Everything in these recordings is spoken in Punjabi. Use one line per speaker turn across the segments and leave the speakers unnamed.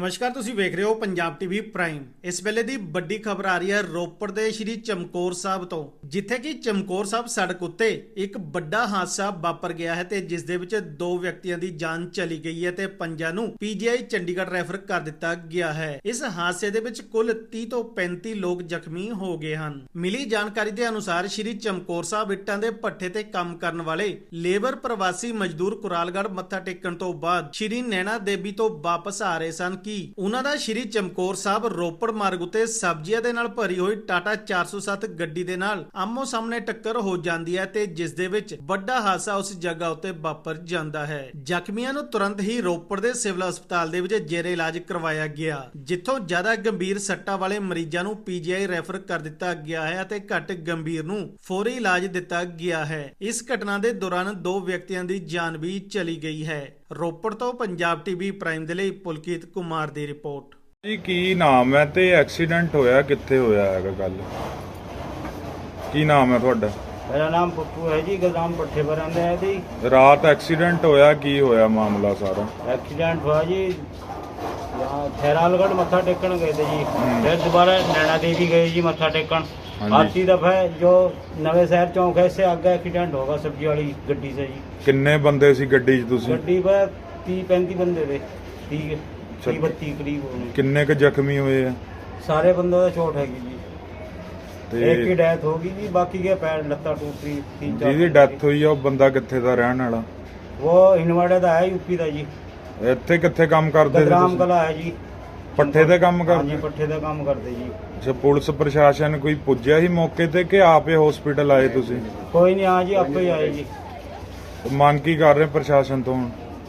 ਨਮਸਕਾਰ, ਤੁਸੀਂ ਵੇਖ ਰਹੇ ਹੋ ਪੰਜਾਬ ਟੀਵੀ ਪ੍ਰਾਈਮ। ਇਸ ਵੇਲੇ ਦੀ ਵੱਡੀ ਖਬਰ ਆ ਰਹੀ ਹੈ ਰੋਪੜ ਦੇ ਸ਼੍ਰੀ ਚਮਕੌਰ ਸਾਹਿਬ ਤੋਂ, ਜਿੱਥੇ ਕਿ ਚਮਕੌਰ ਸਾਹਿਬ ਸੜਕ ਉੱਤੇ ਇੱਕ ਵੱਡਾ ਹਾਦਸਾ ਵਾਪਰ ਗਿਆ ਹੈ ਤੇ ਜਿਸ ਦੇ ਵਿੱਚ 2 ਵਿਅਕਤੀਆਂ ਦੀ ਜਾਨ ਚਲੀ ਗਈ ਹੈ ਤੇ 5 ਨੂੰ ਪੀਜੀਆਈ ਚੰਡੀਗੜ੍ਹ ਰੈਫਰ ਕਰ ਦਿੱਤਾ ਗਿਆ ਹੈ। ਇਸ ਹਾਦਸੇ ਦੇ ਵਿੱਚ ਕੁੱਲ 30 ਤੋਂ 35 ਲੋਕ ਜ਼ਖਮੀ ਹੋ ਗਏ ਹਨ। ਮਿਲੀ ਜਾਣਕਾਰੀ ਦੇ ਅਨੁਸਾਰ ਸ਼੍ਰੀ ਚਮਕੌਰ ਸਾਹਿਬ ਇੱਟਾਂ ਦੇ ਭੱਠੇ ਤੇ ਕੰਮ ਕਰਨ ਵਾਲੇ ਲੇਬਰ ਪ੍ਰਵਾਸੀ ਮਜ਼ਦੂਰ ਕੁਰਾਲਗੜ੍ਹ ਮੱਥਾ ਟੇਕਣ ਤੋਂ ਬਾਅਦ ਸ਼੍ਰੀ ਨੈਣਾ ਦੇਵੀ ਤੋਂ ਵਾਪਸ ਆ ਰਹੇ ਸਨ ਕਿ ਉਹਨਾਂ ਦਾ ਸ਼੍ਰੀ ਚਮਕੌਰ ਸਾਹਿਬ ਰੋਪੜ ਮਾਰਗ ਉਤੇ ਸਬਜ਼ੀਆਂ ਦੇ ਨਾਲ ਭਰੀ ਹੋਈ ਟਾਟਾ 407 ਗੱਡੀ ਦੇ ਨਾਲ ਆਮੋ ਸਾਹਮਣੇ ਟੱਕਰ ਹੋ ਜਾਂਦੀ ਹੈ ਤੇ ਜਿਸ ਦੇ ਵਿੱਚ ਵੱਡਾ ਹਾਦਸਾ ਉਸ ਜਗ੍ਹਾ ਉਤੇ ਵਾਪਰ ਜਾਂਦਾ ਹੈ। ਜ਼ਖਮੀਆਂ ਨੂੰ ਤੁਰੰਤ ਹੀ ਰੋਪੜ ਦੇ ਸਿਵਲ ਹਸਪਤਾਲ ਦੇ ਵਿੱਚ ਜੇਰੇ ਇਲਾਜ ਕਰਵਾਇਆ ਗਿਆ, ਜਿੱਥੋਂ ਜ਼ਿਆਦਾ ਗੰਭੀਰ ਸੱਟਾਂ ਵਾਲੇ ਮਰੀਜ਼ਾਂ ਨੂੰ ਪੀਜੀਆਈ ਰੈਫਰ ਕਰ ਦਿੱਤਾ ਗਿਆ ਹੈ ਅਤੇ ਘੱਟ ਗੰਭੀਰ ਨੂੰ ਫੌਰੀ ਇਲਾਜ ਦਿੱਤਾ ਗਿਆ ਹੈ। ਇਸ ਘਟਨਾ ਦੇ ਦੌਰਾਨ 2 ਵਿਅਕਤੀਆਂ ਦੀ ਜਾਨ ਵੀ ਚਲੀ ਗਈ ਹੈ। ਰੋਪੜ ਤੋਂ ਪੰਜਾਬ ਟੀਵੀ ਪ੍ਰਾਈਮ ਦੇ ਲਈ ਪੁਲਕੀਤ ਕੁਮਾਰ ਦੀ ਰਿਪੋर्ट।
ਜੀ ਕੀ ਨਾਮ ਹੈ ਤੇ ਐਕਸੀਡੈਂਟ ਹੋਇਆ ਕਿੱਥੇ ਹੋਇਆ ਹੈਗਾ? ਗੱਲ ਕੀ ਨਾਮ ਹੈ ਤੁਹਾਡਾ?
मेरा नाम पप्पू है जी, गदाम पट्टे पर रहते हैं जी।
ਰਾਤ ਐਕਸੀਡੈਂਟ ਹੋਇਆ, ਕੀ ਹੋਇਆ ਮਾਮਲਾ ਸਾਰਾ?
एक्सीडेंट हुआ जी, यहाँ खैरालगढ़ मत्था टेकन गए थे जी, फिर दोबारा नैना देवी गए जी मत्था टेकन। आती दफा जो नवे शहर चौक है इससे आगे एक्सीडेंट होगा सब्जी वाली गड्डी से जी।
ਕਿੰਨੇ ਬੰਦੇ ਸੀ ਗੱਡੀ 'ਚ ਤੁਸੀਂ?
गड्डी पर 30-35 बंदे थे, 30-32 करीब होने।
ਕਿੰਨੇ ਕ ਜ਼ਖਮੀ ਹੋਏ ਆ?
सारे बंदों का चोट हैगी जी,
ਤੇ
एक की डेथ होगी जी, बाकी के पैर लत्ता टूट रही। 3-4
ਜਿਹਦੀ ਡੈਥ ਹੋਈ ਆ ਉਹ ਬੰਦਾ ਕਿੱਥੇ ਦਾ ਰਹਿਣ ਵਾਲਾ?
वो हिनवाड़े का है, यूपी का जी।
ਇੱਥੇ ਕਿੱਥੇ ਕੰਮ ਕਰਦੇ ਸੀ
गदराम
ਤੁਸੀਂ?
कला है जी,
ਪੱਠੇ ਤੇ ਕੰਮ
हाँ
ਕਰਦੇ?
जी, पट्ठे का काम करते जी।
ਅੱਛਾ, ਪੁਲਿਸ ਪ੍ਰਸ਼ਾਸਨ ਕੋਈ ਪੁੱਜਿਆ ਸੀ ਮੌਕੇ ਤੇ ਕਿ ਆਪੇ ਹਸਪੀਟਲ ਆਏ ਤੁਸੀਂ?
कोई नहीं, हाँ जी आपको ही आए जी।
ਮੰਗ ਕੀ ਕਰ ਰਹੇ ਪ੍ਰਸ਼ਾਸਨ ਤੋਂ ਹੁਣ?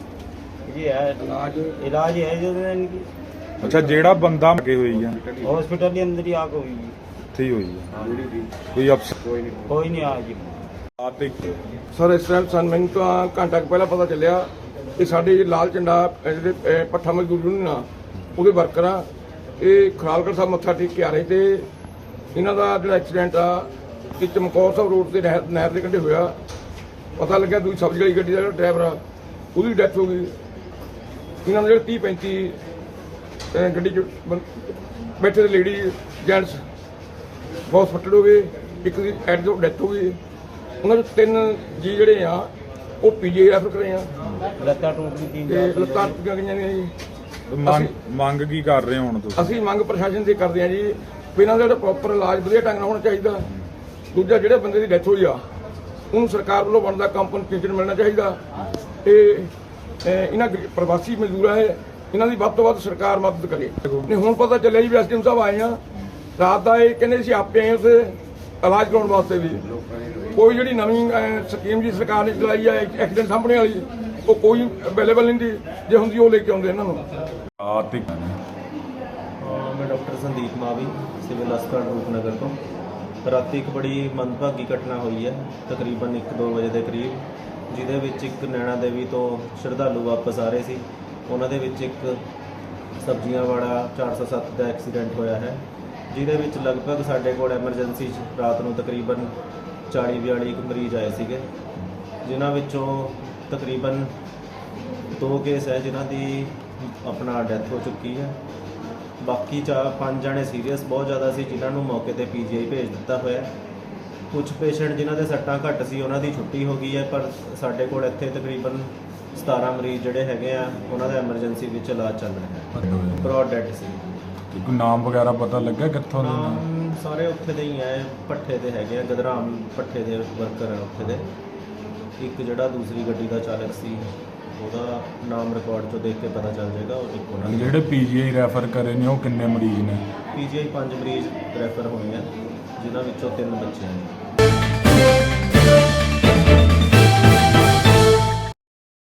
जी है इलाज है जो इनकी
ਅੱਛਾ, ਜਿਹੜਾ ਬੰਦਾ ਲੱਗੇ ਹੋਈ ਆ
हॉस्पिटल के अंदर ही आग हुई जी।
ਇੱਥੇ ਹੀ ਹੋਈ ਆ? ਕੋਈ ਅਫਸਰ?
कोई नहीं आ जी।
ਆਤੇ
ਸਰ ਇਸ ਟਾਈਮ ਸਾਨੂੰ ਮੈਨੂੰ ਤਾਂ ਘੰਟਾ ਕੁ ਪਹਿਲਾਂ ਪਤਾ ਚੱਲਿਆ ਕਿ ਸਾਡੇ ਲਾਲ ਝੰਡਾ ਜਿਹੜੇ ਪੱਠਾ ਮਜ਼ਦੂਰ ਯੂਨੀਅਨ ਆ ਉਹਦੇ ਵਰਕਰ ਆ, ਇਹ ਖਰਾਲਗੜ੍ਹ ਸਾਹਿਬ ਮੱਥਾ ਟੇਕ ਕੇ ਆ ਰਹੇ ਤੇ ਇਹਨਾਂ ਦਾ ਜਿਹੜਾ ਐਕਸੀਡੈਂਟ ਆ ਕਿ ਚਮਕੌਰ ਸਾਹਿਬ ਰੋਡ ਤੇ ਨਹਿਰ ਦੇ ਕੰਢੇ ਹੋਇਆ। ਪਤਾ ਲੱਗਿਆ ਦੂਜੀ ਸਬਜ਼ੀ ਵਾਲੀ ਗੱਡੀ ਦਾ ਜਿਹੜਾ ਡਰਾਈਵਰ ਆ ਉਹਦੀ ਡੈਥ ਹੋ ਗਈ। ਇਹਨਾਂ ਦੇ ਜਿਹੜੇ 30-35 ਗੱਡੀ 'ਚ ਬੈਠੇ ਦੇ ਲੇਡੀ ਜੈਂਟਸ ਬਹੁਤ ਫੱਟੜ ਹੋ ਗਏ, ਇੱਕ ਦੀ ਐਟ ਤੋਂ ਡੈਥ ਹੋ ਗਈ। ਉਹਨਾਂ ਦੇ 3 ਜੀ ਜਿਹੜੇ ਆ ਉਹ ਪੀਜੀਆਈ ਰੈਫਰ ਕਰੇ ਆ
लत्ता टूट गई
ਤੇ ਲੱਤਾਂ ਟੁੱਟੀਆਂ ਗਈਆਂ ਨੇ ਜੀ।
ਮੰਗ ਕੀ ਕਰ ਰਹੇ ਹੋ ਹੁਣ ਤੁਸੀਂ?
ਅਸੀਂ ਮੰਗ ਪ੍ਰਸ਼ਾਸਨ ਦੀ ਕਰਦੇ ਆ ਜੀ ਵੀ ਇਹਨਾਂ ਦਾ ਜਿਹੜਾ ਪ੍ਰੋਪਰ ਇਲਾਜ ਵਧੀਆ ਢੰਗ ਨਾਲ ਹੋਣਾ ਚਾਹੀਦਾ। ਦੂਜਾ ਜਿਹੜੇ ਬੰਦੇ ਦੀ ਡੈਥ ਹੋਈ ਆ ਉਹਨੂੰ ਸਰਕਾਰ ਵੱਲੋਂ ਬਣਦਾ ਕੰਪਨਸੇਸ਼ਨ ਮਿਲਣਾ ਚਾਹੀਦਾ ਤੇ ਇਹਨਾਂ ਪ੍ਰਵਾਸੀ ਮਜ਼ਦੂਰਾਂ ਹੈ ਇਹਨਾਂ ਦੀ ਵੱਧ ਤੋਂ ਵੱਧ ਸਰਕਾਰ ਮਦਦ ਕਰੇ। ਨਹੀਂ ਹੁਣ ਪਤਾ ਚੱਲਿਆ ਜੀ ਵੀ ਐਸਡੀਐਮ ਸਾਹਿਬ ਆਏ ਆ ਰਾਤ ਦਾ, ਇਹ ਕਹਿੰਦੇ ਸੀ ਆਪੇ ਆਏ ਉੱਥੇ ਇਲਾਜ ਕਰਾਉਣ ਵਾਸਤੇ ਵੀ। ਕੋਈ ਜਿਹੜੀ ਨਵੀਂ ਸਕੀਮ ਜੀ ਸਰਕਾਰ ਨੇ ਚਲਾਈ ਆ ਐਕਸੀਡੈਂਟ ਸਾਹਮਣੇ ਵਾਲੀ ਉਹ ਕੋਈ ਅਵੇਲੇਬਲ ਨਹੀਂ ਦੀ, ਜੇ ਹੁੰਦੀ ਉਹ ਲੈ ਕੇ ਆਉਂਦੇ ਇਹਨਾਂ ਨੂੰ।
ਆਤੇ
मैं डॉक्टर संदीप मावी सिविल हस्पताल रूपनगर तो रात एक बड़ी मंदभागी घटना हुई है तकरीबन 1-2 ਵਜੇ ਦੇ ਕਰੀਬ, ਜਿਹਦੇ ਵਿੱਚ ਇੱਕ ਨੈਣਾ ਦੇਵੀ ਤੋਂ ਸ਼ਰਧਾਲੂ ਵਾਪਸ ਆ ਰਹੇ ਸੀ। ਉਹਨਾਂ ਦੇ ਵਿੱਚ ਇੱਕ ਸਬਜ਼ੀਆਂ ਵਾਲਾ 407 ਦਾ ਐਕਸੀਡੈਂਟ ਹੋਇਆ ਹੈ, ਜਿਹਦੇ ਵਿੱਚ ਲਗਭਗ ਸਾਡੇ ਕੋਲ ਐਮਰਜੈਂਸੀ 'ਚ ਰਾਤ ਨੂੰ ਤਕਰੀਬਨ 40-42 ਮਰੀਜ਼ ਆਏ ਸੀਗੇ, ਜਿਨ੍ਹਾਂ ਵਿੱਚੋਂ ਤਕਰੀਬਨ 2 ਕੇਸ ਹੈ ਜਿਨ੍ਹਾਂ ਦੀ ਆਪਣਾ ਡੈਥ ਹੋ ਚੁੱਕੀ ਹੈ। ਬਾਕੀ 5 ਜਣੇ ਸੀਰੀਅਸ ਬਹੁਤ ਜ਼ਿਆਦਾ ਸੀ, ਜਿਨ੍ਹਾਂ ਨੂੰ ਮੌਕੇ ਤੇ ਪੀਜੀਆਈ ਭੇਜ ਦਿੱਤਾ ਹੋਇਆ। ਕੁਝ ਪੇਸ਼ੈਂਟ ਜਿਨ੍ਹਾਂ ਦੇ ਸੱਟਾਂ ਘੱਟ ਸੀ ਉਹਨਾਂ ਦੀ ਛੁੱਟੀ ਹੋ ਗਈ ਹੈ, ਪਰ ਸਾਡੇ ਕੋਲ ਇੱਥੇ ਤਕਰੀਬਨ 17 ਮਰੀਜ਼ ਜਿਹੜੇ ਹੈਗੇ ਆ ਉਹਨਾਂ ਦਾ ਐਮਰਜੈਂਸੀ ਵਿੱਚ ਇਲਾਜ ਚੱਲ ਰਿਹਾ ਹੈ। ਬਰੋਡ ਡੈਡ ਸੀ।
ਕੋਈ ਨਾਮ ਵਗੈਰਾ ਪਤਾ ਲੱਗਾ ਕਿੱਥੋਂ ਦੇ?
ਨਾਮ ਸਾਰੇ ਉੱਥੇ ਦੇ ਹੀ ਹੈ, ਭੱਠੇ ਦੇ ਹੈਗੇ ਆ, ਗਦਰਾਮ ਭੱਠੇ ਦੇ ਵਰਕਰ ਆ ਉੱਥੇ ਦੇ। ਇੱਕ ਜਿਹੜਾ ਦੂਸਰੀ ਗੱਡੀ ਦਾ ਚਾਲਕ ਸੀ ਉਹਦਾ ਨਾਮ ਰਿਕਾਰਡ 'ਚੋਂ ਦੇਖ ਕੇ ਪਤਾ ਚੱਲ ਜਾਏਗਾ। ਉਹ ਇੱਕ ਉਹਨਾਂ
ਜਿਹੜੇ ਪੀਜੀਆਈ ਰੈਫਰ ਕਰੇ ਨੇ ਉਹ ਕਿੰਨੇ ਮਰੀਜ਼ ਨੇ?
ਪੀਜੀਆਈ 5 ਮਰੀਜ਼ ਰੈਫਰ ਹੋਏ ਆ, ਜਿਨ੍ਹਾਂ ਵਿੱਚੋਂ 3 ਬੱਚੇ ਹਨ।